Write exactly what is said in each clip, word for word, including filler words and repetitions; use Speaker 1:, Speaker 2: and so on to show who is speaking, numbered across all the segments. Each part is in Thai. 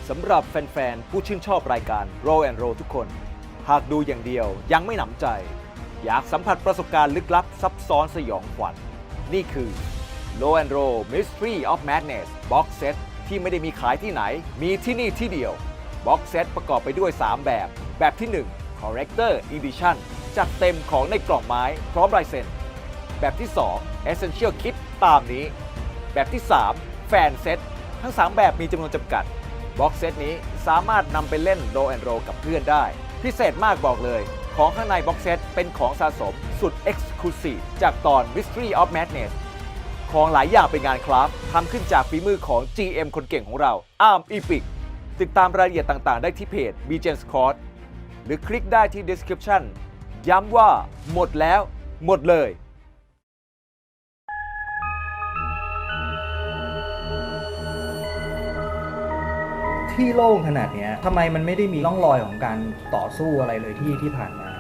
Speaker 1: สำหรับแฟนๆ ผู้ชื่นชอบรายการ Roll and Roll ทุกคน หากดูอย่างเดียวยังไม่หนำใจ อยากสัมผัสประสบการณ์ลึกลับซับซ้อนสยองขวัญ นี่คือ Roll and Roll Mystery of Madness Box Set ที่ไม่ได้มีขายที่ไหน มีที่นี่ที่เดียว Box Set ประกอบไปด้วย สาม แบบ แบบที่ หนึ่ง Collector Edition จัดเต็มของในกล่องไม้พร้อมลายเซ็น แบบที่ สอง Essential Kit ตามนี้ แบบที่ สาม Fan Set ทั้ง สาม แบบมีจำนวนจำกัด บ็อกเซตนี้สามารถนำไปเล่นโรลแอนด์โรลกับเพื่อนได้ พิเศษมากบอกเลย ของข้างในบ็อกเซตเป็นของสะสมสุด Exclusive จากตอน Mystery of Madness ของหลายอย่างเป็นงานคราฟต์ทำขึ้นจากฝีมือของ จี เอ็ม คนเก่งของเรา อาร์ม อีพิก ติดตามรายละเอียดต่างๆ ได้ที่เพจ บี เจ Squad หรือคลิกได้ที่ Description ย้ำว่าหมดแล้วหมดเลย
Speaker 2: ที่โล่งขนาดนี้ทำไมมันไม่ได้มีร่องรอยของการต่อสู้อะไรเลยที่ที่ผ่านมา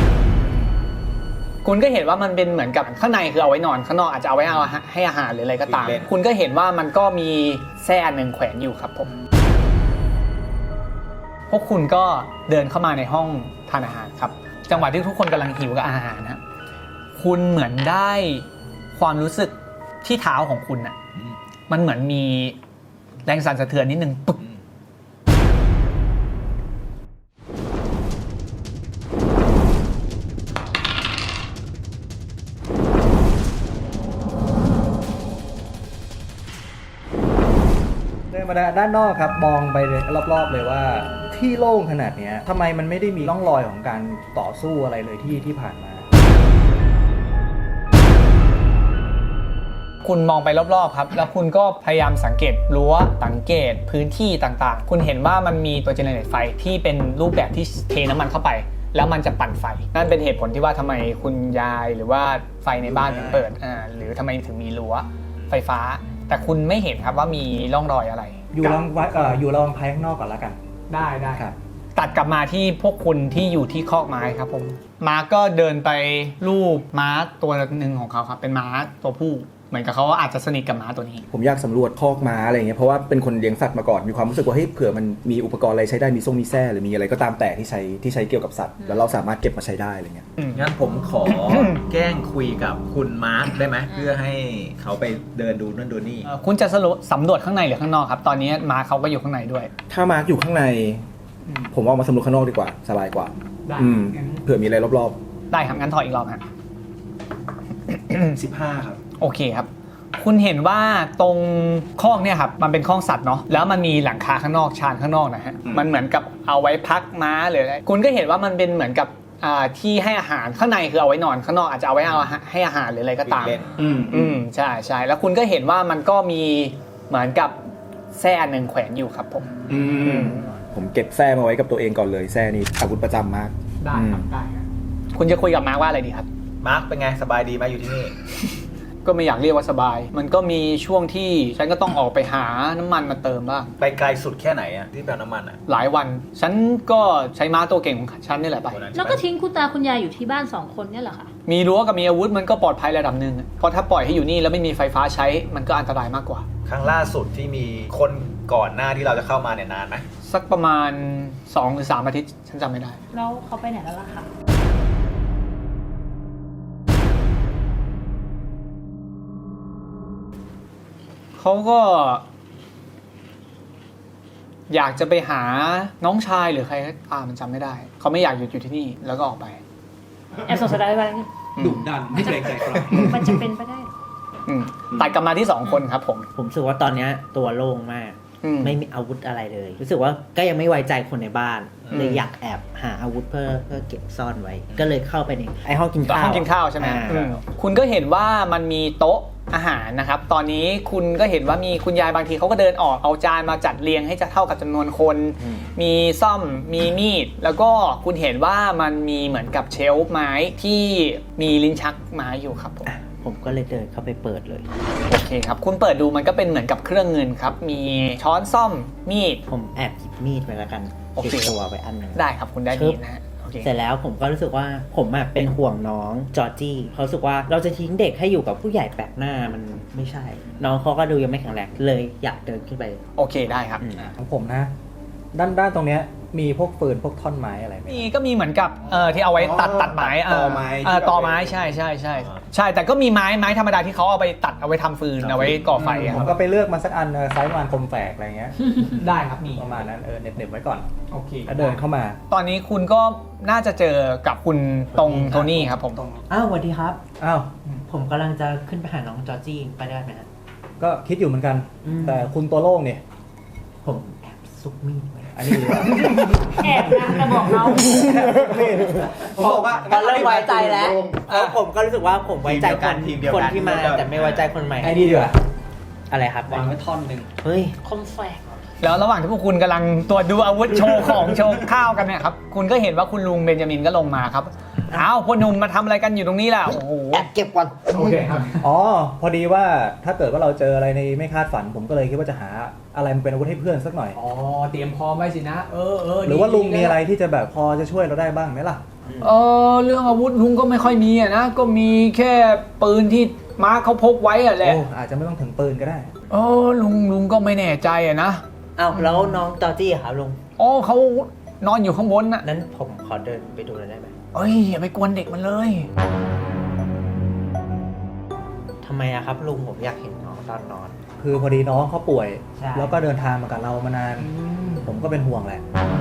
Speaker 3: คุณก็เห็นว่ามันเป็นเหมือนกับข้างในคือเอาไว้นอนข้างนอกอาจจะเอาไว้เอาให้อาหารหรืออะไรก็ตามคุณก็เห็นว่ามันก็มีแส้อันหนึ่งแขวนอยู่ครับผมพวกคุณก็เดินเข้ามาในห้องทานอาหารครับจังหวะที่ทุกคนกำลังหิวกับอาหารนะคุณเหมือนได้ความรู้สึกที่เท้าของคุณน่ะมันเหมือนมีแรงสั่นสะเทือนนิดนึงปึ๊ก
Speaker 2: เดินมาด้านนอกครับมองไปรอบๆเลยว่าที่โล่งขนาดนี้ทำไมมันไม่ได้มีร่องรอยของการต่อสู้อะไรเลยที่ที่ผ่านมา
Speaker 3: คุณมองไปรอบๆครับแล้วคุณก็พยายามสังเกตรั้วสังเกตพื้นที่ต่างๆคุณเห็นว่ามันมีตัวเจเนเรตไฟที่เป็นรูปแบบที่เทน้ำมันเข้าไปแล้วมันจะปั่นไฟนั่นเป็นเหตุผลที่ว่าทำไมคุณยายหรือว่าไฟในบ้านถึงเปิดอ่าหรือทำไมถึงมีรั้วไฟฟ้าแต่คุณไม่เห็นครับว่ามีร่องรอยอะไร
Speaker 2: อยู่ลองเอ่ออยู่ลองภายข้างนอกก่อนแล้วกัน
Speaker 3: ได้ได้
Speaker 2: ครับ
Speaker 3: ตัดกลับมาที่พวกคุณที่อยู่ที่คอกม้าครับผมม้าก็เดินไปรูปม้าตัวหนึ่งของเขาครับเป็นม้าตัวผู้เหมือนกับเขาอาจจะสนิทกับม้าตัวนี้
Speaker 2: ผมอยากสำรวจคอกม้าอะไรเงี้ยเพราะว่าเป็นคนเลี้ยงสัตว์มาก่อนมีความรู้สึกว่าเฮ้ยเผื่อมันมีอุปกรณ์อะไรใช้ได้มีส่งมีแส้หรือมีอะไรก็ตามแต่ที่ใช้ที่ใช้เกี่ยวกับสัตว์แล้วเราสามารถเก็บมาใช้ได้อะไรเงี้ย
Speaker 4: งั้นผมขอ แกล้งคุยกับคุณมาร์คได้ไหมเพื่อให้เขาไปเดินดูนั่นดูนี่
Speaker 3: คุณจะสำรวจข้างในหรือข้างนอกครับตอนนี้ม้าเขาก็อยู่ข้างในด้วย
Speaker 2: ถ้ามาร์คอยู่ข้างในผมว่ามาสำรวจข้างนอกดีกว่าสบายกว่าอืมเผื่อมีอะไรรอบ
Speaker 3: ๆได้ครับงั้นถอยอีกรอบฮะ
Speaker 2: สิบห้าครับ
Speaker 3: โอเคครับคุณเห็นว่าตรงคอกเนี่ยครับมันเป็นคอกสัตว์เนาะแล้วมันมีหลังคาข้างนอกชานข้างนอกนะฮะมันเหมือนกับเอาไว้พักม้าหรืออะไรคุณก็เห็นว่ามันเป็นเหมือนกับที่ให้อาหารข้างในคือเอาไว้นอนข้างนอกอาจจะเอาไว้เอาให้อาหารหรืออะไรก็ตามอืมอืมใช่ใช่แล้วคุณก็เห็นว่ามันก็มีเหมือนกับแส้อันหนึ่งแขวนอยู่ครับผม
Speaker 2: อืมผมเก็บแส้มาไว้กับตัวเองก่อนเลยแส้นี้อาวุธประจำมาก
Speaker 3: ได้ครับได้ครับคุณจะคุยกับมาร์คว่าอะไรดีครับ
Speaker 4: มาร์คเป็นไงสบายดีไหมอยู่ที่นี่
Speaker 3: ก็ไม่อยากเรียกว่าสบายมันก็มีช่วงที่ฉันก็ต้องออกไปหาน้ำมันมาเติมบ้าง
Speaker 4: ไปไกลสุดแค่ไหนอะที่แปลน้ำมันอะ
Speaker 3: หลายวันฉันก็ใช้ม้าตัวเก่งของฉันนี่แหละไป
Speaker 5: แล้วก็ทิ้งคุณตาคุณยายอยู่ที่บ้านสองคนเนี่ยเหรอคะ
Speaker 3: มีรั้วกับมีอาวุธมันก็ปลอดภัยระดับหนึ่งเพราะถ้าปล่อยให้อยู่นี่แล้วไม่มีไฟฟ้าใช้มันก็อันตรายมากกว่า
Speaker 4: ครั้งล่าสุดที่มีคนก่อนหน้าที่เราจะเข้ามาเนี่ยนานไหม
Speaker 3: สักประมาณสองหรือสามอาทิตย์ฉันจำไม่ได้
Speaker 5: แล้วเขาไปไหนแล้วล่ะคะ
Speaker 3: เขาก็อยากจะไปหาน้องชายหรือใครอ่ามันจำไม่ได้เขาไม่อยากหยุดอยู่ที่นี่แล้วก็ออกไป
Speaker 5: แอบสงสัยอะไร
Speaker 2: ดุดันไม่เกรงใจใคร
Speaker 5: มันจะเป็นไปได้
Speaker 3: ตัดกลับมาที่สองคนครับผม
Speaker 6: ผมรู้สึกว่าตอนนี้ตัวโล่งมากไม่มีอาวุธอะไรเลยรู้สึกว่าก็ยังไม่ไว้ใจคนในบ้านเลยอยากแอบหาอาวุธเพื่อเพื่อเก็บซ่อนไว้ก็เลยเข้าไปในไอห้องกินข้าว
Speaker 3: ห้องกินข้าวใช่ไหมคุณก็เห็นว่ามันมีโต๊ะอาหารนะครับตอนนี้คุณก็เห็นว่ามีคุณยายบางทีเขาก็เดินออกเอาจานมาจัดเรียงให้จะเท่ากับจำนวนคนมีซ่อมมีมีดแล้วก็คุณเห็นว่ามันมีเหมือนกับเชลฟ์ไม้ที่มีลิ้นชักไม้อยู่ครับผม
Speaker 6: ผมก็เลยเดินเข้าไปเปิดเลย
Speaker 3: โอเคครับคุณเปิดดูมันก็เป็นเหมือนกับเครื่องเงินครับมีช้อนซ่อมมีด
Speaker 6: ผมแอบหยิบมีดไปแล้วกันติดตัวไปอันนึง
Speaker 3: ได้ครับคุณได้มีดนะฮะ
Speaker 6: เสร็จแล้วผมก็รู้สึกว่าผมเป็นห่วงน้องจอร์จี้เขารู้สึกว่าเราจะทิ้งเด็กให้อยู่กับผู้ใหญ่แปลกหน้ามันไม่ใช่น้องเขาก็ดูยังไม่แข็งแรงเลยอยากเดินขึ้นไป
Speaker 3: โอเคได้ครับ
Speaker 2: ของผมนะด้านด้านตรงเนี้ยมีพวกปืนพวกท่อนไม้อะไรไหม
Speaker 3: มีก็มีเหมือนกับเอ่อที่เอาไว้ตัด
Speaker 4: อ๋อ
Speaker 3: ตัดไม้
Speaker 4: ต่อไม้
Speaker 3: เออต่อไม้ใช่ใช่ใช่ใช่แต่ก็มีไม้ไม้ธรรมดาที่เขาเอาไปตัดเอาไว้ทำฟืนเอาไว้ก่อไฟอะ
Speaker 2: ผมก็ไปเลือกมาสักอันเออไซส์ประมาณคมแฝกอะไรเงี้ย
Speaker 3: ได้ครับมี
Speaker 2: ประมาณนั้นเออเหน็บๆไว้ก่อน
Speaker 3: โอเค
Speaker 2: แล้วเดินเข้ามา
Speaker 3: ตอนนี้คุณก็น่าจะเจอกับคุณตรงโทนี่ครับผม
Speaker 6: อ้าวสวัสดีครับ
Speaker 2: อ้าว
Speaker 6: ผมกำลังจะขึ้นไปหาน้องจอร์จี้ไปได้ไหมฮะ
Speaker 2: ก็คิดอยู่เหมือนกัน
Speaker 6: อืม
Speaker 2: แต่คุณตัวโล่งเนี่ย
Speaker 6: ผมแอบซุกมีดไว้
Speaker 2: อันนี้ดีกว่า
Speaker 5: แอบนะแต่บอกเรา
Speaker 4: ผมบอกว่า
Speaker 6: ก็เริ่มไว้ใจแล้วเพราะผมก็รู้สึกว่าผมไว้ใจคน
Speaker 4: ทีมเดียว
Speaker 6: ค
Speaker 4: กัน น
Speaker 6: ที่มา
Speaker 4: ทีมเดียวกัน
Speaker 6: แต่ไม่ไว้ใจคนใหม่
Speaker 2: ไอ้นี่ดีกว่า
Speaker 6: อะไรครับ
Speaker 2: วางไว้ท่อนหนึ่ง
Speaker 6: เฮ้ย
Speaker 5: คมแฝก
Speaker 3: แล้วระหว่างที่พวกคุณกำลังตรวจดูอาวุธโชว์ของโชว์ข้าวกันเนี่ยครับคุณก็เห็นว่าคุณลุงเบนจามินก็ลงมาครับอ้าวพ่อหนุ่มมาทำอะไรกันอยู่ตรงนี้ล่ะโอ้โห
Speaker 6: แอบเก็บก่อน
Speaker 3: โอเคครับ
Speaker 2: อ๋อพอดีว่าถ้าเกิดว่าเราเจออะไรในไม่คาดฝัน ผมก็เลยคิดว่าจะหาอะไรมาเป็นอาวุธให้เพื่อนสักหน่อย
Speaker 3: อ๋อเตรียมพร้อมไว้สินะเออเออ
Speaker 2: หรือว่าลุงมีอะไรที่จะแบบพอจะช่วยเราได้บ้างไหมล่ะ
Speaker 3: เออเรื่องอาวุธลุงก็ไม่ค่อยมีอะนะก็มีแค่ปืนที่ม้าเขาพกไว้อะแหละ
Speaker 2: โอ้อาจจะไม่ต้องถึงปืนก็ได้
Speaker 3: เออลุงลุงก็ไม่แน่ใจอะนะ
Speaker 6: อ้าวแล้วน้องจอร์จี้อะครับลุง
Speaker 3: อ๋อเขานอนอยู่ข้างบนน่ะ
Speaker 6: นั้นผมขอเดินไปดูหน่อยได้ไหม
Speaker 3: เอ้ยอย่าไปกวนเด็กมันเลย
Speaker 6: ทำไมอะครับลุงผมอยากเห็นน้องตอนนอน
Speaker 2: คือพอดีน้องเขาป่วย
Speaker 6: ใช่
Speaker 2: แล้วก็เดินทางมากับเรามานาน ผมก็เป็นห่วงแหละ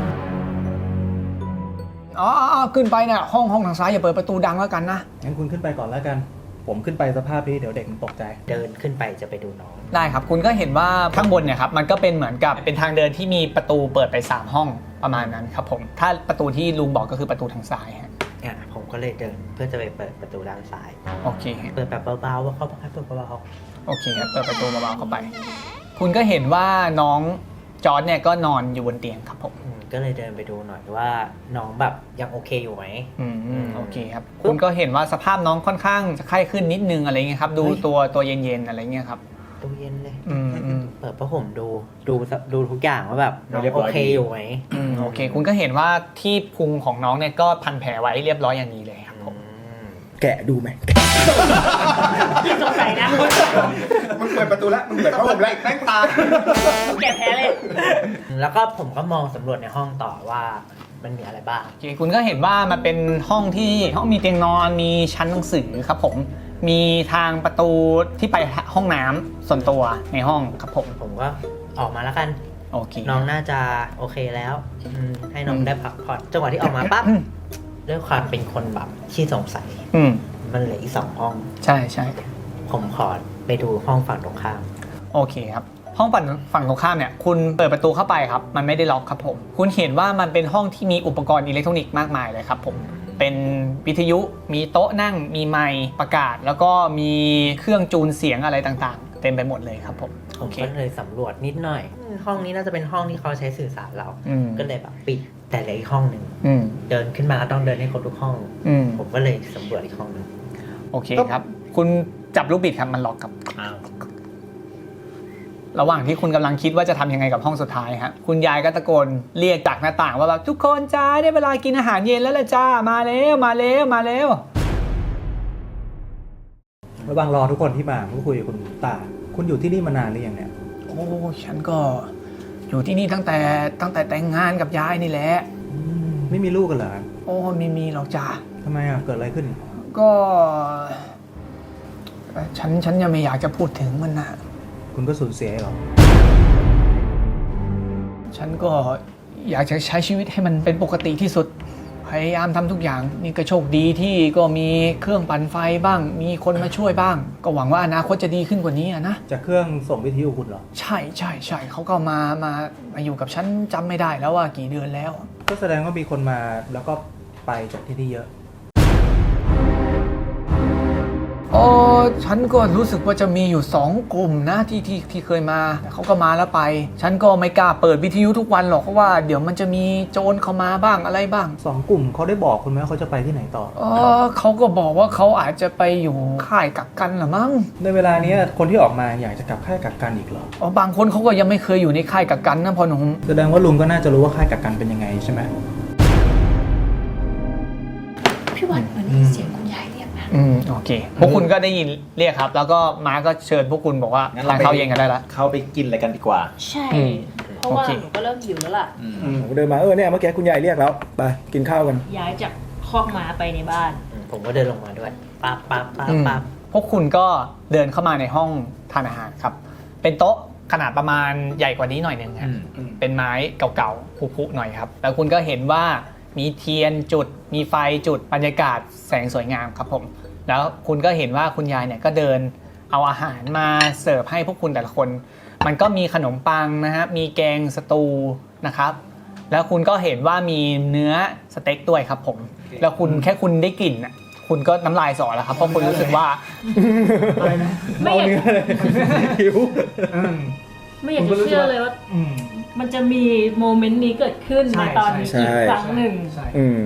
Speaker 3: อ๋ออ๋อขึ้นไปน่ะห้องห้องทางซ้ายอย่าเปิดประตูดังแล้วกันนะ
Speaker 2: งั้นคุณขึ้นไปก่อนแล้วกัน ผมขึ้นไปสภาพนี้เดี๋ยวเด็กมันตกใจ
Speaker 6: เดินขึ้นไปจะไปดูน้อง
Speaker 3: ได้ครับคุณก็เห็นว่าข้างบนเนี่ยครับมันก็เป็นเหมือนกับเป็นทางเดินที่มีประตูเปิดไปสามห้องประมาณนั้นครับผมถ้าประตูที่ลุงบอกก็คือประตูทางซ้ายฮะ
Speaker 6: อ่ะผมก็เลยเดินเพื่อจะไปเปิดประตูด้านซ้าย
Speaker 3: โอเคฮะ
Speaker 6: เปิดแบบเบาๆว่าเขาบอกให้เปิดเบา
Speaker 3: โอเคครับเปิดประตูเบาๆเข้าไป คุณก็เห็นว่าน้องจอร์จเนี่ยก็นอนอยู่บนเตียงครับผม
Speaker 6: ๆอืมก็เลยเดินไปดูหน่อยว่าน้องแบบยังโอเคอยู่ไหม
Speaker 3: อืมโอเคครับคุณก็เห็นว่าสภาพน้องค่อนข้างจะไข้ขึ้นนิดนึงอะไรเงี้ยครับดู
Speaker 6: เฮ้ย
Speaker 3: ตัวตัวเย็นๆอะไรเงี้ยครับ
Speaker 6: ตู้เย็นเลย
Speaker 3: อืมอืม
Speaker 6: เปิดผ้าห่มดูดูดูทุกอย่างว่าแบบน้อง
Speaker 4: เรียบ
Speaker 6: โอ
Speaker 4: ร้อย
Speaker 6: เค
Speaker 4: ดี
Speaker 6: อยู่ไหม
Speaker 3: อืมโอเค คุณก็เห็นว่าที่พุงของน้องเนี่ยก็พันแผลไว้เรียบร้อยอย่างดีเลยครับผม
Speaker 6: อืม
Speaker 2: แกะดูไหม
Speaker 5: สงสัยนะ
Speaker 4: มึงเปิดประตูแล้วมึงเปิดผ้าห่มแล้วแม่งตาย
Speaker 5: แกแพ้เลย
Speaker 6: แล้วก็ผมก็มองสำรวจในห้องต่อว่ามันมีอะไรบ้าง
Speaker 3: โอเคคุณก็เห็นว่ามันเป็นห้องที่ห้องมีเตียงนอนมีชั้นหนังสือครับผมมีทางประตูที่ไปห้องน้ำส่วนตัวในห้องครับผม
Speaker 6: ผมก็ออกมาแล้วกัน
Speaker 3: โอเค
Speaker 6: น้องน่าจะโอเคแล้วอืมให้น้องได้พักผ่อนจังหวะที่ออกมาปั๊บด้วยความเป็นคนแบบขี้สงสัย
Speaker 3: อืม
Speaker 6: มันเหลืออีกสองห้อง
Speaker 3: ใช่ใช่
Speaker 6: ผมขอไปดูห้องฝั่งตรงข้าม
Speaker 3: โอเคครับห้องฝั่งฝั่งตรงข้ามเนี่ยคุณเปิดประตูเข้าไปครับมันไม่ได้ล็อกครับผมคุณเห็นว่ามันเป็นห้องที่มีอุปกรณ์อิเล็กทรอนิกส์มากมายเลยครับผมเป็นวิทยุมีโต๊ะนั่งมีไมค์ประกาศ แล้วก็มีเครื่องจูนเสียงอะไรต่างๆ เต็มไปหมดเลยครับผม
Speaker 6: ผ
Speaker 3: โอ
Speaker 6: ม
Speaker 3: เค
Speaker 6: ก็เลยสำรวจนิดหน่อยอืมห้องนี้น่าจะเป็นห้องที่เขาใช้สื่อสารเรา
Speaker 3: อืม
Speaker 6: ก็เลยแบบปิดแต่เหลืออีกห้องหนึ่ง
Speaker 3: อืม
Speaker 6: เดินขึ้นมาก็ต้องเดินให้ครบทุกห้อง
Speaker 3: อืม
Speaker 6: ผมก็เลยสำรวจอีกห้องหนึ่ง
Speaker 3: โอเคครับ คุณจับลูกบิดครับมันล็อกครับ
Speaker 4: อ้าว
Speaker 3: ระหว่างที่คุณกำลังคิดว่าจะทำยังไงกับห้องสุดท้ายฮะคุณยายก็ตะโกนเรียกจากหน้าต่างว่าแบบทุกคนจ้าได้เวลากินอาหารเย็นแล้วล่ะจ้ามาแล้วมาแล้วมาแล้ว
Speaker 2: ระหว่างรอทุกคนที่มาผมก็คุยกับคุณตา คุณอยู่ที่นี่มานานหรือยังเนี่ย
Speaker 3: โอ้ฉันก็อยู่ที่นี่ตั้งแต่ตั้งแต่แต่งงานกับยายนี่แหละ
Speaker 2: อืมไม่มีลูกกันเหรอ
Speaker 3: โอ้ไม่มีหรอกจ้า
Speaker 2: ทำไมอ่ะ เกิดอะไรขึ้น
Speaker 3: ก็ฉันฉันยังไม่อยากจะพูดถึงมันนะ
Speaker 2: คุณก็สูญเสียเหรอ
Speaker 3: ฉันก็อยากจะใช้ชีวิตให้มันเป็นปกติที่สุดพยายามทำทุกอย่างนี่ก็โชคดีที่ก็มีเครื่องปั่นไฟบ้าง มีคนมาช่วยบ้าง ก็หวังว่าอนาคตจะดีขึ้นกว่านี้อะนะ
Speaker 2: จากเครื่องส่งวิทยุคุณเหรอ
Speaker 3: ใช่ใช่ใช่เขาก็มามามาอยู่กับฉันจำไม่ได้แล้วว่ากี่เดือนแล้ว
Speaker 2: ก็แสดงว่ามีคนมาแล้วก็ไปจากที่นี่เยอะ
Speaker 3: โอ้ฉันก็รู้สึกว่าจะมีอยู่สองกลุ่มนะที่ที่ที่เคยมาเขาก็มาแล้วไป ฉันก็ไม่กล้าเปิดวิทยุทุกวันหรอกเพราะว่าเดี๋ยวมันจะมีโจรเข้ามาบ้างอะไรบ้าง
Speaker 2: สองกลุ่มเขาได้บอกคุณไหมว่าเขาจะไปที่ไหนต่อ
Speaker 3: เออเขาก็บอกว่าเขาอาจจะไปอยู่ค่ายกักกันเหรือมั้ง
Speaker 2: ในเวลานี้คนที่ออกมาอยากจะกลับค่ายกักกันอีกเหรอ
Speaker 3: อ๋อบางคนเขาก็ยังไม่เคยอยู่ในค่ายกักกันนะพอหนุ่ม
Speaker 2: แสดงว่าลุงก็น่าจะรู้ว่าค่ายกักกันเป็นยังไงใช่ไหม
Speaker 5: พี่วันเหมือนได้ยินเสียงคุณยายเรียกนะ
Speaker 3: อืมโอเคพวกคุณก็ได้ยินเรียกครับ แล้วก็ม้าก็เชิญพวกคุณบอกว่า
Speaker 4: งั้น
Speaker 3: ทาน
Speaker 4: เราไป
Speaker 3: ข้าวเย็นกันได้ละ
Speaker 4: เข้าไปกินอะไรกันดีกว่า
Speaker 5: ใช่
Speaker 3: อืม
Speaker 5: เพราะว่า
Speaker 3: โอเค
Speaker 5: หนูก็เริ่มหิวแล้วล่ะ
Speaker 7: ผมก็เดินมาเออเนี่ยเมื่อกี้คุณยายเรียกแล้วไปกินข้าวกัน
Speaker 5: ย้ายจากคอกม้าไปในบ้าน
Speaker 6: ผมก็เดินลงมาด้วยปั๊บปั๊บปั๊บ
Speaker 3: อืม
Speaker 6: ปั๊บ
Speaker 3: พวกคุณก็เดินเข้ามาในห้องทานอาหารครับ เป็นโต๊ะขนาดประมาณใหญ่กว่านี้หน่อยหนึ่งฮะ
Speaker 4: อืม
Speaker 3: เป็นไม้เก่าๆผุๆหน่อยครับ แล้วคุณก็เห็นว่ามีเทียนจุด มีไฟจุด บรรยากาศแสงสวยงามครับผม แล้วคุณก็เห็นว่าคุณยายเนี่ยก็เดินเอาอาหารมาเสิร์ฟให้พวกคุณแต่ละคน มันก็มีขนมปังนะฮะ มีแกงสตูนะครับ แล้วคุณก็เห็นว่ามีเนื้อสเต็กด้วยครับผม แล้วคุณแค่คุณได้กลิ่นน่ะคุณก็น้ำลายสอแล้วครับ เพราะคุณรู้สึกว่า
Speaker 5: ไม่อยาก
Speaker 7: หิว
Speaker 5: ไม่อยากจะเชื่อเลยว่า มันจะมีโมเมนต์นี้เกิดขึ้น
Speaker 2: ใช่
Speaker 5: ในตอนนี้
Speaker 7: ใช่
Speaker 5: อีกครั้งหนึ่ง
Speaker 7: อืม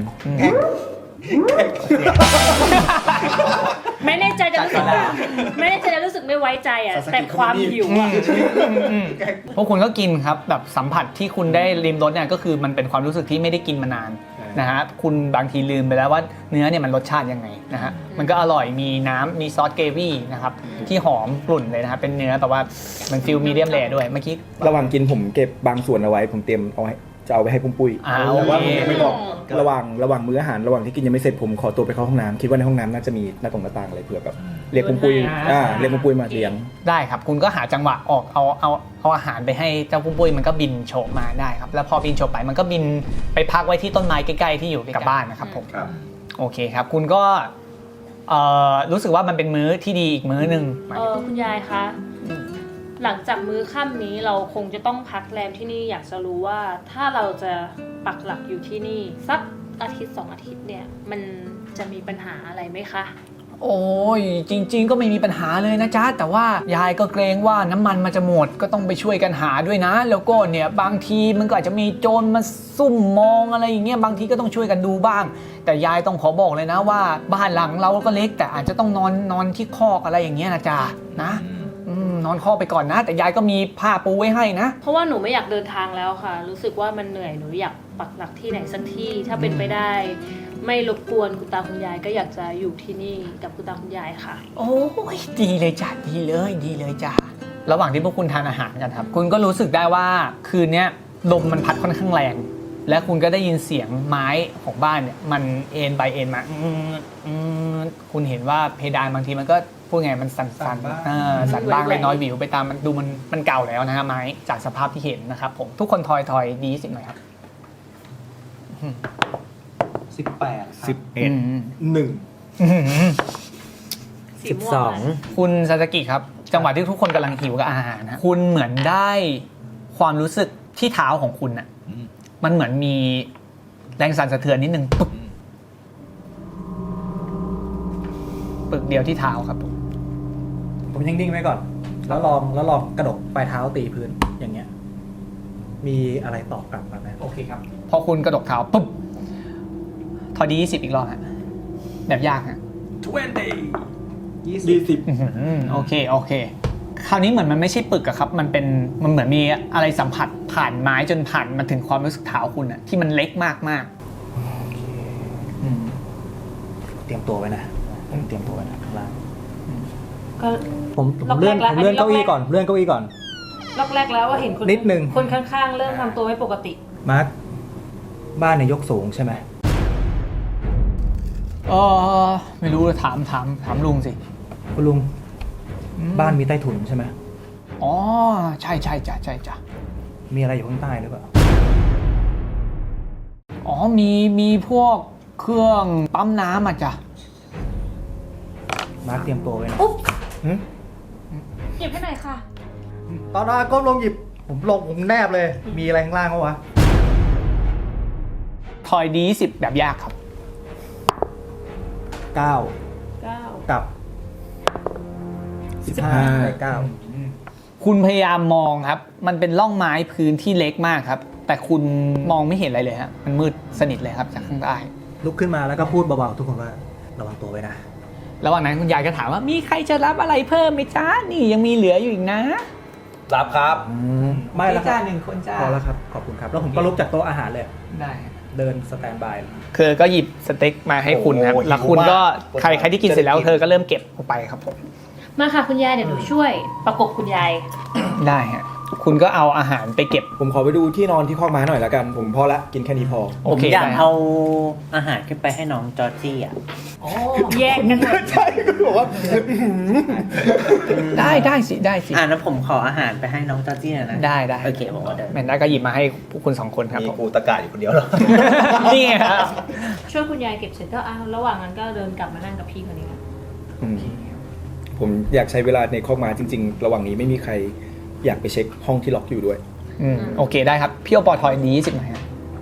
Speaker 5: ไม่แน่ใจจะรู้สึกไม่แน่ใจจะรู้สึกไม่ไว้ใจอ่ะ แต่ความหิวอ่ะ
Speaker 3: พวกคุณก็กินครับแบบสัมผัสที่คุณได้ริมรสเนี่ยก็คือมันเป็นความรู้สึกที่ไม่ได้กินมานานนะฮะคุณบางทีลืมไปแล้วว่าเนื้อเนี่ยมันรสชาติยังไงนะฮะมันก็อร่อยมีน้ำมีซอสเกรวี่นะครับที่หอมกลุ่นเลยนะครับเป็นเนื้อแต่ว่ามันฟิลมีเดียมแรร์ด้วยเมื่อกี้
Speaker 7: ระหว่างกินผมเก็บบางส่วนเอาไว้ ผมเตรียมเอาไว้จะเอาไปให้ปุ้มปุ้ย
Speaker 3: อ่า
Speaker 7: แต่ว่า
Speaker 3: โอ
Speaker 7: ผม
Speaker 3: เค
Speaker 7: ยังไม่บอกระหว่างระหว่างมื้ออาหารระหว่างที่กินยังไม่เสร็จผมขอตัวไปเข้าห้องน้ำคิดว่าในห้องน้ำน่าจะมีหน้าตรงหน้าต่างอะไรเผื่อแบบเรียกปุ้มปุ้ยอ่าเรียกปุ้มปุ้ยมาเลี้ยง
Speaker 3: ได้ครับคุณก็หาจังหวะออกเอาเอาเอาอาหารไปให้เจ้าปุ้มปุ้ยมันก็บินโฉบมาได้ครับแล้วพอบินโฉบไปมันก็บินไปพักไว้ที่ต้นไม้ใกล้ๆที่อยู่กับบ้านนะครับผม
Speaker 4: ครับ
Speaker 3: โอเคครับคุณก็เอ่อรู้สึกว่ามันเป็นมื้อที่ดีอีกมื้อหนึ่ง
Speaker 5: เออคุณยายคะ หลังจากมื้อค่ำนี้เราคงจะต้องพักแรมที่นี่อยากจะรู้ว่าถ้าเราจะปักหลักอยู่ที่นี่สักอาทิตย์สองอาทิตย์เนี่ยมันจะมีปัญหาอะไรไหมคะ
Speaker 3: โอ้ยจริง ๆ ก็ไม่มีปัญหาเลยนะจ๊ะแต่ว่ายายก็เกรงว่าน้ำมันมันจะหมดก็ต้องไปช่วยกันหาด้วยนะ แล้วก็เนี่ยบางทีมันก็อาจจะมีโจรมาซุ่มมองอะไรอย่างเงี้ยบางทีก็ต้องช่วยกันดูบ้าง แต่ยายต้องขอบอกเลยนะว่าบ้านหลังเราก็เล็กแต่อาจจะต้องนอนนอนที่คอกอะไรอย่างเงี้ยนะจ๊ะนะอืมนอนคอกไปก่อนนะ แต่ยายก็มีผ้าปูไว้ให้นะ
Speaker 5: เพราะว่าหนูไม่อยากเดินทางแล้วค่ะ รู้สึกว่ามันเหนื่อยหนูอยากปักหลักที่ไหนสักที่ถ้าเป็นไปได้ ไม่รบกวนคุณตาคุณยายก็อยากจะอยู่ที่นี่กับคุณตาคุณยายค่ะ
Speaker 3: โอ้ยดีเลยจ้ะดีเลยดีเลยจ้ะระหว่างที่พวกคุณทานอาหารกันครับคุณก็รู้สึกได้ว่าคืนนี้ลมมันพัดค่อนข้างแรง และคุณก็ได้ยินเสียงไม้ของบ้านเนี่ยมันเอ็นไปเอ็นมาอืมอืมคุณเห็นว่าเพดานบางทีมันก็พูดไงมันสั่น
Speaker 2: สั่
Speaker 3: สั่น
Speaker 2: นบ้าง
Speaker 3: เออสั่นบ้างเล็กน้อยวิวไปตามมันดูมันมันเก่าแล้วนะฮะไม้จากสภาพที่เห็นนะครับผมทุกคนทอยทอยดีสิบหน่อยครับ
Speaker 2: สิบแปด
Speaker 7: สิบเอ็ด
Speaker 3: อืม
Speaker 7: หนึ่ง
Speaker 3: อื้อหือ
Speaker 5: สี
Speaker 6: สิบ
Speaker 5: ม่ว
Speaker 6: สอง
Speaker 5: อะ
Speaker 3: คุณซาสกิครับจังหวะที่ทุกคนกำลังหิวกับอาหารนะคุณเหมือนได้ความรู้สึกที่เท้าของคุณน่ะ
Speaker 4: อืม
Speaker 3: มันเหมือนมีแรงสั่นสะเทือนนิดนึงปึ๊บปึกเดียวที่เท้าครับผม
Speaker 2: ผมยังนิ่งไว้ก่อน แล้วลองแล้วลองกระดกปลายเท้าตีพื้นอย่างเงี้ย มีอะไรตอบกลับมาไหม
Speaker 3: โอเคครับพอคุณกระดกเท้าปุ๊บทอดียี่สิบอีกรอบฮะแบบยากฮะ
Speaker 7: ยี่สิบ
Speaker 3: อื้อหือโอเคโอเค คราวนี้เหมือนมันไม่ใช่ปึกอะครับ มันเป็นมันเหมือนมีอะไรสัมผัสผ่านไม้จนผ่านมาถึงความรู้สึกเท้าคุณอะที่มันเล็กมากมากๆอืม
Speaker 2: เตรียมตัวไว้นะผมเตรียมตัวไว้นะข้างล่าง
Speaker 5: ก็
Speaker 2: ผมผม
Speaker 5: ล็อกแรก
Speaker 2: เลื่อน
Speaker 5: แล้ว
Speaker 2: ผมเลื่อน
Speaker 5: อันนี้
Speaker 2: เก้าอี้
Speaker 5: ล็อกแรก
Speaker 2: ก่อนเลื่อนเก้าอี้ก่อน
Speaker 5: รอบแรกแล้วว่าเห็นคน
Speaker 2: นิดนึง
Speaker 5: คนข้างๆ เริ่มทำตัวไม่ปกติ
Speaker 2: มาร์คบ้านเนี่ยยกสูงใช่ไหม
Speaker 3: เออไม่รู้ถามถามถามลุงสิ
Speaker 2: คุณลุงบ้านมีใต้ถุนใช่ไหม
Speaker 3: อ๋อใช่ใช่จ้ะใช่จ้ะ
Speaker 2: มีอะไรอยู่ข้างใต้หรือเปล่า
Speaker 3: อ๋อมีมีพวกเครื่องปั๊มน้ำอ่ะจ้ะ
Speaker 2: มาร์คเตรียมตัวไว้นะ
Speaker 5: อุ๊บ
Speaker 2: หึ
Speaker 5: หยิบให้หน่อยค่ะ
Speaker 2: ตอนนั้นก้มลงหยิบผมลงผมแนบเลย มีอะไรข้างล่างเขาวะ
Speaker 3: ทอยดีสิบแบบยากครับ
Speaker 2: เก้า
Speaker 5: เก้า
Speaker 2: กับสิบห้าได้เก้า
Speaker 3: คุณพยายามมองครับ มันเป็นร่องไม้พื้นที่เล็กมากครับ แต่คุณมองไม่เห็นอะไรเลยฮะมันมืดสนิทเลยครับจากข้างใต้
Speaker 2: ลุกขึ้นมาแล้วก็พูดเบาๆทุกคนว่าระวังตัวไว้นะ
Speaker 3: ระหว่างนั้นคุณยายก็ถามว่ามีใครจะรับอะไรเพิ่มไหมจ้านี่ยังมีเหลืออยู่อีกนะ
Speaker 4: รับครับ
Speaker 2: ไม่แล้วค
Speaker 3: จ้า
Speaker 2: รับ
Speaker 3: หนึ่งคนจ้า
Speaker 2: พอแล้วครับขอบคุณครับ แล้วผมก็ลุกจากโต๊ะอาหารเลย
Speaker 3: ได้
Speaker 2: เดินสแตนบาย
Speaker 3: คือก็หยิบสเต็กมาให้คุณครับ
Speaker 4: โอ้โห
Speaker 3: แล้วคุณก็
Speaker 4: หิวมาก
Speaker 3: ใครใครที่กินเสร็จแล้วเธอก็เริ่มเก็บออกไปครับผม
Speaker 5: มาค่ะคุณยายเดี๋ยวหนูช่วยประกบคุณยาย
Speaker 3: ได้ฮะคุณก็เอาอาหารไปเก็บ
Speaker 7: ผมขอไปดูที่นอนที่คอกม้าหน่อยละกัน ผมพอละกินแค่นี้พอ
Speaker 3: โอ
Speaker 6: ผม
Speaker 3: เค
Speaker 6: อยาก
Speaker 3: ได้
Speaker 6: เอาอาหารขึ้นไปให้น้องจอร์จี้อ่ะ
Speaker 5: แยกกันหมด
Speaker 7: ใช่ก็บอกว่า
Speaker 3: ได้ได้สิได้สิ
Speaker 6: อ่านั้นผมขออาหารไปให้น้องจอร์จี้หน่อยนะ
Speaker 3: ได้ได้
Speaker 6: โอเคผมก็เดิน
Speaker 3: แมนด้าก็หยิบมาให้พวกคุณสองคนครับ
Speaker 4: มี
Speaker 3: ผม
Speaker 4: กูตะกาอยู่คนเดียวเหรอ
Speaker 3: นี่ไงครับ
Speaker 5: ช่วยคุณยายเก็บเสร็จก็อ้าวระหว่างนั้นก็เดินกลับมานั่งกับพี่คนนี้ค่ะ
Speaker 7: อืมผมอยากใช้เวลาในคอกม้าจริง ๆ ระหว่างนี้ไม่มีใครอยากไปเช็คห้องที่ล็อกอยู่ด้วย
Speaker 3: อืมโอเคได้ครับพี่โอปอทอยดีสิบไหมครับ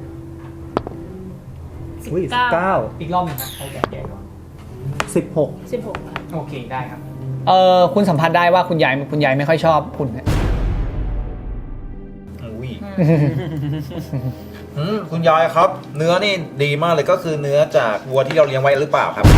Speaker 2: อุ้ยสิบเก้า
Speaker 3: อีกรอบหนึงครับเขาแก่ๆก่อน
Speaker 2: สิบหก
Speaker 5: สิบหกค่ะ
Speaker 3: โอเคได้ครับเออคุณสัมผัสได้ว่าคุณยายคุณยายไม่ค่อยชอบคุณนะ
Speaker 4: อุ้ยอืมคุณยายครับ เนื้อนี่ดีมากเลยก็คือเนื้อจากวัวที่เราเลี้ยงไว้หรือเปล่าครับ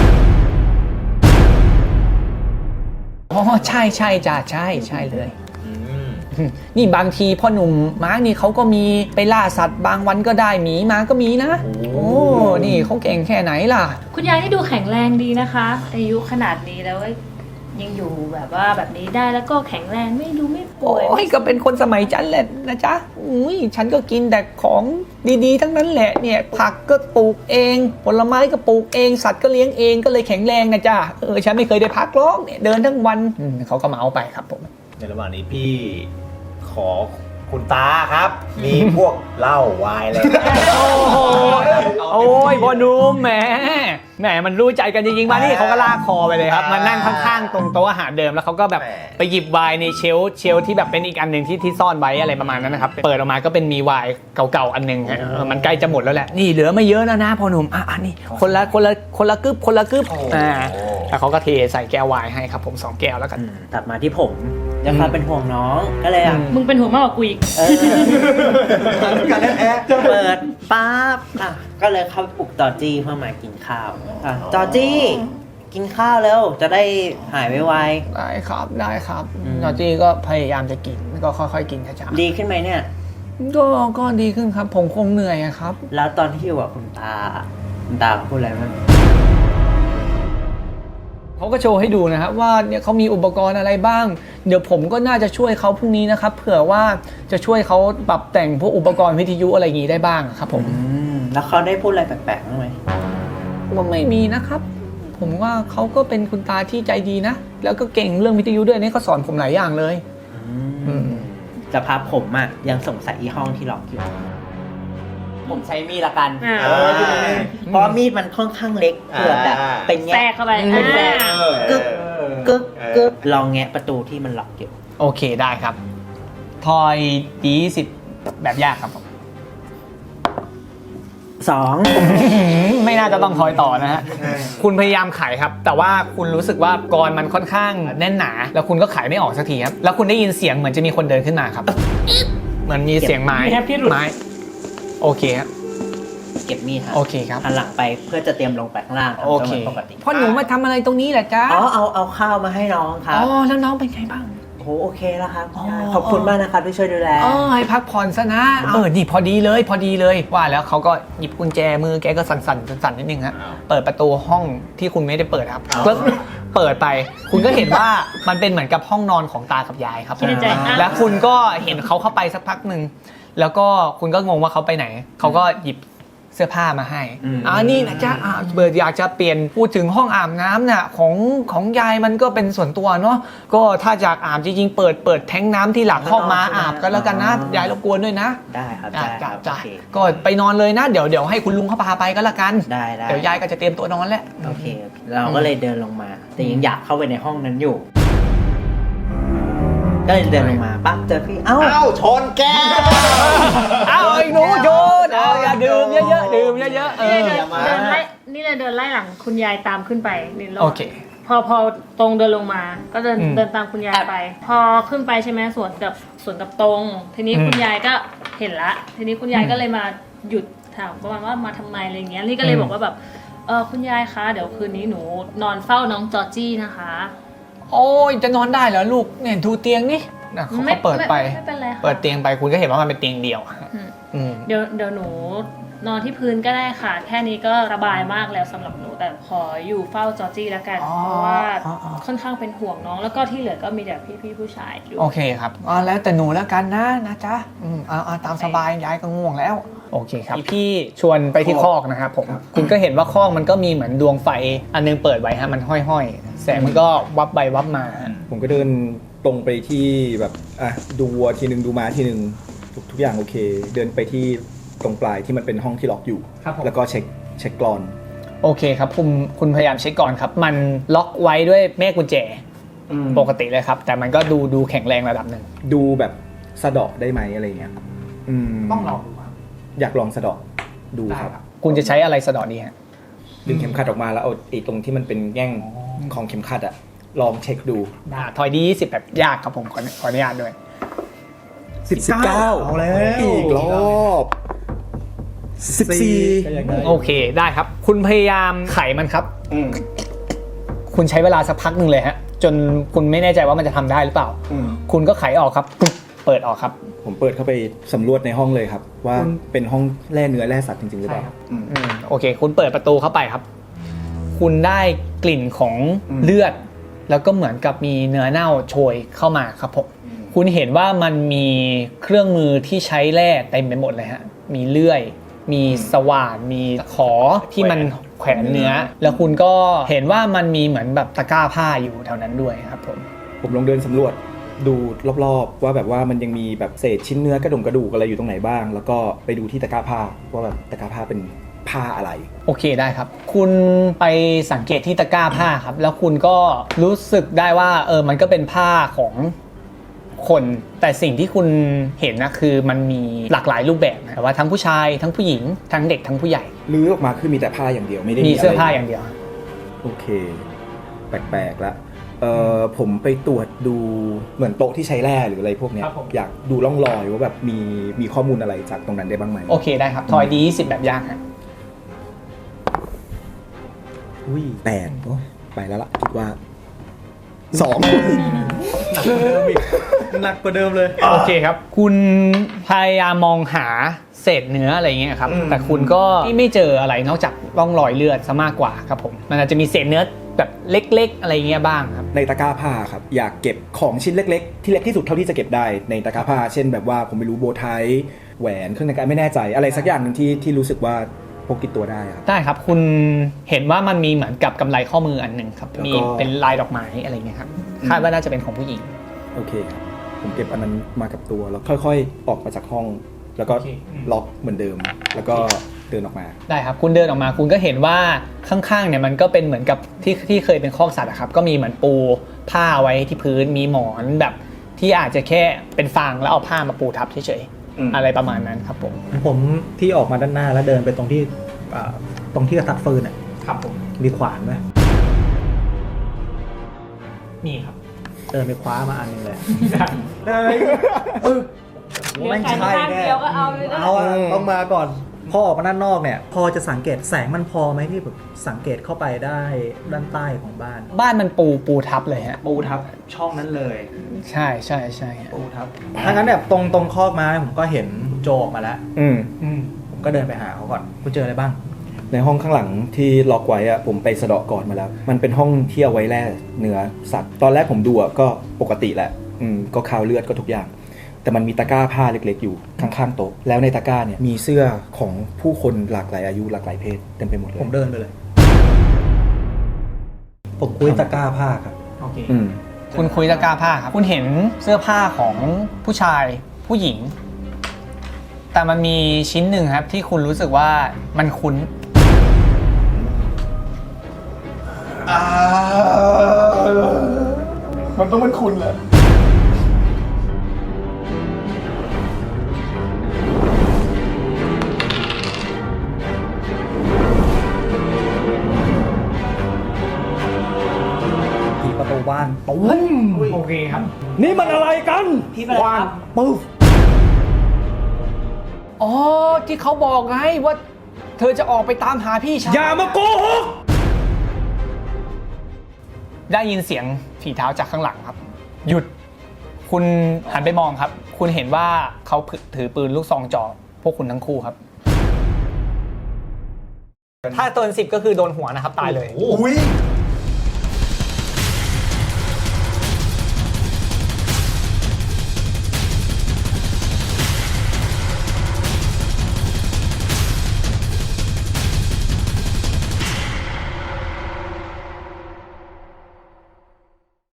Speaker 3: อ๋อใช่ใช่จ้ะใช่ใช่เลย
Speaker 4: อืม
Speaker 3: นี่บางทีพ่อหนุ่มมาร์กนี่เขาก็มีไปล่าสัตว์บางวันก็ได้หมีมาก็มีนะ โอ้นี่เขาเก่งแค่ไหนล่ะ
Speaker 5: คุณยายนี่ดูแข็งแรงดีนะคะ อายุขนาดนี้แล้วยังอยู่แบบว่าแบบนี้ได้แล้วก็แข็งแรงไม่ดูไม่ป่วย
Speaker 3: โอ้ยก็เป็นคนสมัยจันแหละนะจ๊ะอุ้ยฉันก็กินแต่ของดีๆทั้งนั้นแหละเนี่ยผักก็ปลูกเองผลไม้ก็ปลูกเองสัตว์ก็เลี้ยงเองก็เลยแข็งแรงนะจ๊ะเออฉันไม่เคยได้พักหรอกเนี่ยเดินทั้งวันอืมเขาก็มาเอาไปครับผม
Speaker 4: ในระหว่างนี้พี่ขอคุณตาครับ มีพวกเหล้าไวน์อะไร
Speaker 3: โอ้โหโอ้ยพ่อหนุ่มแหมแหมมันรู้ใจกันจริงๆมานี่เขาก็ลากคอไปเลยครับมานั่งข้างๆตรงโต๊ะอาหารเดิมแล้วเขาก็แบบไปหยิบไวน์ในเชลฟ์เชลฟ์ที่แบบเป็นอีกอันหนึ่งที่ที่ซ่อนไว้อะไรประมาณนั้นนะครับเปิดออกมาก็เป็นมีไวน์เก่าๆอันหนึงฮะเออมันใกล้จะหมดแล้วแหละนี่เหลือไม่เยอะแล้วนะพ่อหนุ่มอ่ะอันนี้คนละคนละคนละกึบคนละกึบอ่าแล้วเขาก็เทใส่แก้วไวน์ให้ครับผมสองแก้วแล้วกัน
Speaker 6: อืมตัดมาที่ผมด้วยความเป็นห่วงน้องก็เลยอ่ะ
Speaker 5: มึงเป็นหัวมากกว่ากูอีก
Speaker 6: เออเปิดปั๊บอ่ะก็เลยเข้าไปปลุกจอร์จี้เพื่อมากินข้าวอ่ะจอร์จี้กินข้าวแล้วจะได้หายไว
Speaker 3: ได้ครับได้ครับ
Speaker 6: อืม
Speaker 3: จอร์จี้ก็พยายามจะกินก็ค่อยๆกินช้า
Speaker 6: ๆดีขึ้นไหมเนี่ย
Speaker 3: ๆก็ก็ดีขึ้นครับผมคงเหนื่อยอะครับ
Speaker 6: แล้วตอนที่อยู่กับคุณตาคุณตาเขาพูดอะไรมั้าง
Speaker 3: เขาก็โชว์ให้ดูนะครับว่าเนี่ยเขามีอุปกรณ์อะไรบ้าง เดี๋ยวผมก็น่าจะช่วยเขาพรุ่งนี้นะครับเผื่อว่าจะช่วยเขาปรับแต่งพวกอุปกรณ์วิทยุอะไรอย่างนี้ได้บ้างครับผม
Speaker 6: อืมแล้วเขาได้พูดอะไรแปลกๆบ้างไหม
Speaker 3: ว่าไม่มีนะครับ ผมว่าเขาก็เป็นคุณตาที่ใจดีนะ แล้วก็เก่งเรื่องวิทยุด้วยนี่เขาสอนผมหลายอย่างเลย อืม
Speaker 6: สภาพผมอ่ะยังสงสัยอีห้องที่ล็อกอยู่ ผมใช้มีดละกัน
Speaker 5: อ่า
Speaker 6: เออเพราะมีดมันค่อนข้างเล็กเผื่อแบบเป็น
Speaker 5: แทร
Speaker 6: แง่
Speaker 5: กเข้าไป
Speaker 6: เป็นแง่
Speaker 5: อ่า
Speaker 6: กึกกึกกึกลองแงะประตูที่มันล็อกอยู่
Speaker 3: โอเคได้ครับ ทอยดีสิบแบบยากครับผม
Speaker 6: สอง
Speaker 3: ไม่น่าจะต้องทอยต่อนะฮะ คุณพยายามขายครับ แต่ว่าคุณรู้สึกว่ากรมันค่อนข้างแน่นหนา แล้วคุณก็ขายไม่ออกสักทีครับ แล้วคุณได้ยินเสียงเหมือนจะมีคนเดินขึ้นมาครับ เหมือนมีเสียงไม้ไม้โอเคครับ
Speaker 6: เก็บมีดครับ
Speaker 3: โอเคครับ
Speaker 6: หันหลังไปเพื่อจะเตรียมลงไปข้างล่างทำ
Speaker 3: โอ
Speaker 6: ตัว
Speaker 3: เค
Speaker 6: เหมือนปกติ
Speaker 3: พ่อหนูมาทำอะไรตรงนี้แหละจ๊ะ
Speaker 6: อ๋อเอาเอาข้าวมาให้น้องครั
Speaker 3: อ๋
Speaker 6: บ
Speaker 3: อแล้วน้องเป็นไงบ้าง
Speaker 6: โอ้โหโอเคแล้วครับ
Speaker 3: อ๋อ
Speaker 6: ขอบคุณมากนะครับที่ช่วยดูแล
Speaker 3: อ๋อให้พักผ่อนซะนะเออนี่พอดีเลยพอดีเลยว่าแล้วเขาก็หยิบกุญแจมือแกก็สั่นสั่นสั่นๆนิดนึงฮะเปิดประตูห้องที่คุณไม่ได้เปิดครับก็เปิดไป คุณก็เห็นว่ามันเป็นเหมือนกับห้องนอนของตากับยายครับ
Speaker 5: คิดในใจอ่ะ
Speaker 3: แล้วคุณก็เห็นเขาเข้าไปสักพักหนึ่งแล้วก็คุณก็งงว่าเขาไปไหนเขาก็หยิบเสื้อผ้ามาให้
Speaker 6: อืม
Speaker 3: อ่านี่นะจ๊ะอ่าเบิร์ดอยากจะเปลี่ยนพูดถึงห้องอาบน้ำน่ะของของยายมันก็เป็นส่วนตัวเนาะก็ถ้าอยากอาบจริงๆเปิดเปิดแท้งน้ำที่หลังห้องมาอาบกันแล้วกันนะยายรบกวนด้วยนะ
Speaker 6: ได้ครับ
Speaker 3: จ้า
Speaker 6: ได้ค
Speaker 3: จ้า
Speaker 6: รับ
Speaker 3: จ้า
Speaker 6: โอเค
Speaker 3: ก็ไปนอนเลยนะ เดี๋ยวเดี๋ยวให้คุณลุงเขาพาไปก็แล้วกัน
Speaker 6: ได้ได้
Speaker 3: เดี๋ยวยายก็จะเตรียมตัวนอนแล้ว
Speaker 6: โอเคโอเคเราก็เลยเดินลงมา แต่ยังอยากเข้าไปในห้องนั้นอยู่ ก็เลยเดินลงมาปั๊บเจอพี่เอ้า
Speaker 4: เอ้าชนแก้ว
Speaker 3: เอาไอ้หนูโยนเอาอย่าดื่มเยอะๆดื่มเยอะๆเอ
Speaker 5: นี่
Speaker 3: อ
Speaker 5: เลยเดิน
Speaker 4: อย่ามา
Speaker 5: เดินไล่นี่เลยเดินไล่หลังคุณยายตามขึ้นไปนี่รบ
Speaker 3: โอเค
Speaker 5: พอพอตรงเดินลงมา ก็เดิน
Speaker 3: อืม
Speaker 5: เดินตามคุณยายไป พอขึ้นไปใช่ไหมสวนกับสวนกับตรง ทีนี้
Speaker 3: อืม
Speaker 5: คุณยายก็เห็นละ ทีนี้คุณยาย
Speaker 3: อืม
Speaker 5: ก็เลยมาหยุดถามประมาณว่ามาทำไมอะไรเงี้ยนี่ก็เลย
Speaker 3: อืม
Speaker 5: บอกว่าแบบเออคุณยายคะเดี๋ยวคืนนี้หนูนอนเฝ้าน้องจอร์จี้นะคะ
Speaker 3: โอ้ยจะนอนได้เหรอลูกเนี่ยดูเตียงนี่นะเขา
Speaker 5: ไม่
Speaker 3: เขาเปิดไป
Speaker 5: ไม่ไม่เป็นไรค่ะ
Speaker 3: เปิดเตียงไปคุณก็เห็นว่ามันเป็นเตียงเดียวอะ
Speaker 5: อืม
Speaker 3: อืม
Speaker 5: เดี๋ยวเดี๋ยวหนูนอนที่พื้นก็ได้ค่ะ แค่นี้ก็สบายมากแล้วสำหรับหนูแต่ขออยู่เฝ้าจอร์จี้แล้วกัน
Speaker 3: อ๋อ
Speaker 5: เพราะว่า
Speaker 3: อ๋ออ๋อ
Speaker 5: ค่อนข้างเป็นห่วงน้องแล้วก็ที่เหลือก็มีแต่พี่ๆผู้ชายดู
Speaker 3: โอเคครับอ๋อแล้วแต่หนูแล้วกันนะนะจ๊ะอืมเอาเอาตามสบายยายก็ง่วงแล้ว โอเคครับพี่ชวนไปที่คอกนะครับผมคุณก็เห็นว่าคอกมันก็มีเหมือนดวงไฟอันนึงเปิดไว้ฮะมันห้อยๆแสงมันก็วับไปวับมา
Speaker 7: ผมก็เดินตรงไปที่แบบอ่ะดูวัวทีหนึ่งดูม้าทีหนึ่งทุกทุกอย่างโอเค เดินไปที่ตรงปลายที่มันเป็นห้องที่ล็อกอยู่
Speaker 3: ครับผม
Speaker 7: แล้วก็เช็คเช็คกรอน
Speaker 3: โอเคครับคุณคุณพยายามเช็คก่อนครับ มันล็อกไว้ด้วยแม่กุญแจปกติเลยครับ แต่มันก็ดูดูแข็งแรงระดับหนึ่ง
Speaker 7: ดูแบบสะเดาะได้ไหมอะไรเงี้ยอืม
Speaker 3: ต้องลองดูครับ
Speaker 7: อยากลองสะเดาะดูครับ
Speaker 3: คุณจะใช้อะไรสะเดอดีฮะ
Speaker 7: ดึงเข็มขัดออกมาแล้วเอาไอ้ตรงที่มันเป็นแง่งของเข็มขัดอะลองเช็คดู
Speaker 3: อ่าทอยดียี่สิบแบบยากครับผมขอขออนุญาตด้วย
Speaker 7: สิบเก้า
Speaker 2: เอาแล้ว
Speaker 7: อีกรอบสิบสี่
Speaker 2: ก็ยังได้
Speaker 3: โอเคได้ครับ คุณพยายามไขมันครับ คุณใช้เวลาสักพักหนึ่งเลยฮะ จนคุณไม่แน่ใจว่ามันจะทำได้หรือเปล่า คุณก็ไขออกครับปุ๊บเปิดออกครับ
Speaker 7: ผมเปิดเข้าไปสำรวจในห้องเลยครับ ว่าเป็นห้องแร่เนื้อแร่สัตว์จริงๆหรือเปล่า
Speaker 3: อืมโอเค คุณเปิดประตูเข้าไปครับ คุณได้กลิ่นของ
Speaker 7: อืม
Speaker 3: เลือด แล้วก็เหมือนกับมีเนื้อเน่าโชยเข้ามาครับผมคุณเห็นว่ามันมีเครื่องมือที่ใช้แร่เต็มไปหมดเลยฮะมีเลื่อย มีสว่านมีขอที่มันแขวนเนื้อ แล้วคุณก็เห็นว่ามันมีเหมือนแบบตะกร้าผ้าอยู่แถวนั้นด้วยครับผม
Speaker 7: ผมลองเดินสำรวจดูรอบๆว่าแบบว่ามันยังมีแบบเศษชิ้นเนื้อกระดงกระดูกอะไรอยู่ตรงไหนบ้าง แล้วก็ไปดูที่ตะกร้าผ้าว่าแบบตะกร้าผ้าเป็นผ้าอะไร
Speaker 3: โอเคได้ครับ คุณไปสังเกตที่ตะกร้าผ้าครับ แล้วคุณก็รู้สึกได้ว่าเออมันก็เป็นผ้าของคน แต่สิ่งที่คุณเห็นนะคือมันมีหลากหลายรูปแบบนะว่าทั้งผู้ชายทั้งผู้หญิงทั้งเด็กทั้งผู้ใหญ่
Speaker 7: ลื้อออกมาคือมีแต่ผ้าอย่างเดียวไม่ได้
Speaker 3: มี
Speaker 7: มี
Speaker 3: เสื้อผ้า
Speaker 7: ะไร
Speaker 3: อย่างเดียว
Speaker 7: โอเค แปลกๆละเอ่อผมไปตรวจดูเหมือนโต๊ะที่ใช้แร่หรืออะไรพวกเนี้ย
Speaker 3: ครับผม
Speaker 7: อยากดูร่องรอยว่าแบบมีมีข้อมูลอะไรจากตรงนั้นได้บ้างไหม
Speaker 3: โอเคได้ครับทอยดีสิบแบบยากฮะ
Speaker 7: อุ้ยแปดโอ้ไปแล้วล่ะคิดว่าสอง
Speaker 2: หนักกว่าเดิมเลย
Speaker 3: โอเคครับ คุณพยายามมองหาเศษเนื้ออะไรเงี้ยครับ
Speaker 7: อืม
Speaker 3: แต่คุณก็ไม่เจออะไรนอกจากร่องรอยเลือดซะมากกว่าครับผมมันอาจจะมีเศษเนื้อแบบเล็กๆ อะไรเงี้ยบ้างครับ
Speaker 7: ในตะกร้าผ้าครับอยากเก็บของชิ้นเล็กๆ ที่เล็กที่สุดเท่าที่จะเก็บได้ในตะกร้าผ้า เช่นแบบว่าผมไม่รู้โบว์ไทแหวนเครื่องแต่งกายไม่แน่ใจอะไรสักอย่างหนึ่งที่ที่รู้สึกว่าพกติดตัวได้ครับ
Speaker 3: ได้ครับคุณเห็นว่ามันมีเหมือนกับกำไรข้อมืออันหนึ่งครับ
Speaker 7: แล้วก็
Speaker 3: มีเป็นลายดอกไม้อะไรเงี้ยครับคาดว่าน่าจะเป็นของผู้หญิง
Speaker 7: โอเคครับผมเก็บอันนั้นมากับตัวแล้วค่อยๆ ออกมาจากห้อง แล้วก็
Speaker 3: โอเคอืม
Speaker 7: ล็อกเหมือนเดิม แล้วก็เดินออกมา
Speaker 3: ได้ครับคุณเดินออกมาคุณก็เห็นว่าข้างๆเนี่ยมันก็เป็นเหมือนกับที่ที่เคยเป็นคอกสัตว์อะครับก็มีเหมือนปูผ้าไว้ที่พื้นมีหมอนแบบที่อาจจะแค่เป็นฟางแล้วเอาผ้ามาปูทับเฉย
Speaker 7: อืม
Speaker 3: ๆอะไรประมาณนั้นครับผม
Speaker 2: ผมที่ออกมาด้านหน้าแล้วเดินไปตรงที่อ่าตรงที่กระตัดฟืนอ่ะ
Speaker 3: ครับผม
Speaker 2: มีขวานไหม
Speaker 3: มีครับ
Speaker 2: เดินไปคว้ามาอันหนึงเลย
Speaker 5: เหลือแค่ข้างเดียวก็เอาเลยนะ
Speaker 2: เอาอะต้องมาก่อนพอออกมาด้านนอกเนี่ย พอจะสังเกตแสงมันพอไหมที่แบบสังเกตเข้าไปได้ด้านใต้ของบ้าน
Speaker 3: บ้านมันปูปูทับเลยฮะ
Speaker 7: ปูทับช่องนั้นเลย
Speaker 3: ใช่ใช่ใช่ฮะ
Speaker 7: ปูทับ
Speaker 2: ถ้างั้นแบบตรงตรงคอกไม้ผมก็เห็นโจออกมาแล้ว
Speaker 7: อืม
Speaker 3: อืม
Speaker 2: ผมก็เดินไปหาเขาก่อนคุณเจออะไรบ้าง
Speaker 7: ในห้องข้างหลังที่ล็อกไว้อะผมไปสะเดาะก่อนมาแล้ว มันเป็นห้องที่เอาไว้แล่เนื้อสัตว์ ตอนแรกผมดูอะก็ปกติแหละอืมก็คาวเลือดก็ทุกอย่าง แต่มันมีตะกร้าผ้าเล็กๆอยู่ข้างๆโต๊ะแล้วในตะกร้าเนี่ยมีเสื้อของผู้คนหลากหลายอายุหลากหลายเพศเต็มไปหมดเลย
Speaker 2: ผมเดินไปเลย ผมคุยตะกร้าผ้าครับ
Speaker 3: โอเค
Speaker 7: อืม
Speaker 3: คุณคุยตะกร้าผ้าครับคุณเห็นเสื้อผ้าของผู้ชายผู้หญิง แต่มันมีชิ้นหนึ่งครับที่คุณรู้สึกว่ามันคุ้น
Speaker 7: มันต้องเป็นคุณแหละ
Speaker 2: ที่ประตูบ้านปุ้ม
Speaker 3: โอเคครับ
Speaker 7: นี่มันอะไรกันวางปุ๊บ
Speaker 3: อ๋อที่เขาบอกไงว่า เธอจะออกไปตามหาพี่ชาย
Speaker 7: อย่ามาโกหก
Speaker 3: ได้ยินเสียงฝีเท้าจากข้างหลังครับ หยุดคุณหันไปมองครับ คุณเห็นว่าเขาถือปืนลูกซองจ่อพวกคุณทั้งคู่ครับ ถ้าตัวสิบก็คือโดนหัวนะครับตายเลย
Speaker 4: อุ้ย